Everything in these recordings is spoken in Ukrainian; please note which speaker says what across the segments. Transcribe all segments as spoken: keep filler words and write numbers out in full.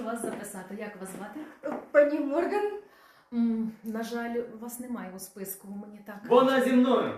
Speaker 1: вас записати. Як вас звати?
Speaker 2: Пані Морган?
Speaker 1: М, на жаль, вас немає у списку. Мені так.
Speaker 3: Вона зі мною.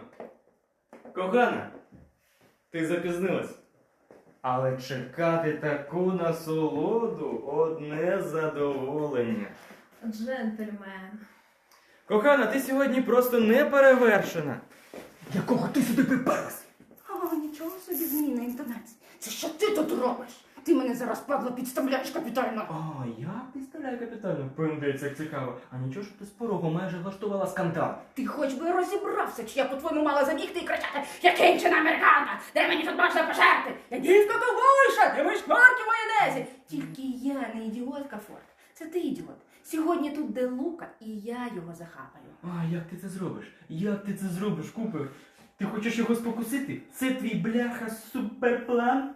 Speaker 3: Кохана, ти запізнилась. Але чекати таку насолоду одне задоволення.
Speaker 1: Джентльмен.
Speaker 3: Кохана, ти сьогодні просто не перевершена. Якого ти сюди приперлась?
Speaker 2: О, нічого собі зміна інтонації. Це що ти тут робиш? Ти мене зараз, Павло, підставляєш капітально.
Speaker 3: А, я підставляю капітально. Пиндець, як цікаво. А нічого ж ти з порогу майже влаштувала скандал.
Speaker 2: Ти хоч би розібрався, чи я по-твоєму мала забігти і кричати: «Я кінчена американка! Де мені тут можна пожерти? Я дівка ковбойша! Де мої шкварки в майонезі!» Тільки я не ідіотка, Форд. Це ти ідіот. Сьогодні тут де Лука, і я його захапаю.
Speaker 3: А, як ти це зробиш? Як ти це зробиш, Купер? Ти хочеш його спокусити? Це твій бляха суперплан?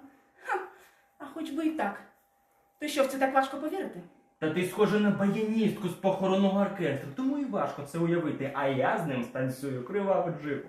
Speaker 2: А хоч би і так. То що, в це так важко повірити?
Speaker 3: Та ти схожа на баяністку з похоронного оркестру, тому і важко це уявити, а я з ним станцюю криваву джипу.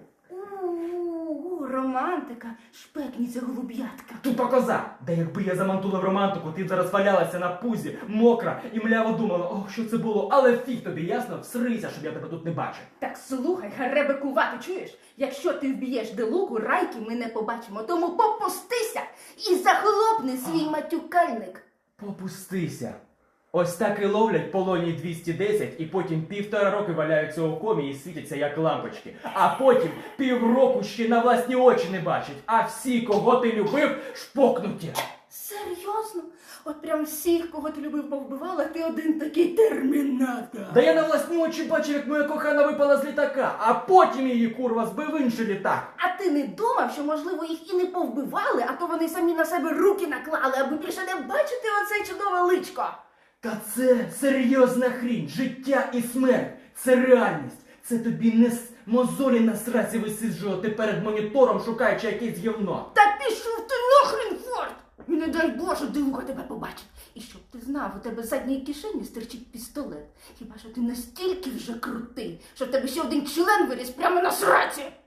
Speaker 2: У-у-у, романтика, шпекніця голуб'ятка.
Speaker 3: Тупа коза! Да якби я замантулив романтику, ти б зараз валялася на пузі, мокра і мляво думала, ох, що це було, але фіг тобі, ясно? Всрися, щоб я тебе тут не бачив.
Speaker 2: Так слухай, гаребекувати, чуєш? Якщо ти вб'єш Делуку, райки ми не побачимо, тому попустися і захлопни свій матюкальник.
Speaker 3: Попустися. Ось так і ловлять полоні двісті десять і потім півтора роки валяються у комі і світяться як лампочки. А потім півроку ще на власні очі не бачать, а всі, кого ти любив, шпокнуті.
Speaker 2: Серйозно? От прям всіх, кого ти любив, повбивала, ти один такий термінатор.
Speaker 3: Да я на власні очі бачив, як моя кохана випала з літака, а потім її курва збив інший літак.
Speaker 2: А ти не думав, що, можливо, їх і не повбивали, а то вони самі на себе руки наклали, аби більше не бачити оце чудове личко?
Speaker 3: Та це серйозна хрінь, життя і смерть, це реальність. Це тобі не с- мозолі на сраці висиджувати перед монітором, шукаючи якесь гівно.
Speaker 2: Та пішов ти нахрен, Форд! І не дай Боже, Делука тебе побачить. І щоб ти знав, у тебе в задній кишені стирчить пістолет. Хіба що ти настільки вже крутий, що в тебе ще один член виріс прямо на сраці?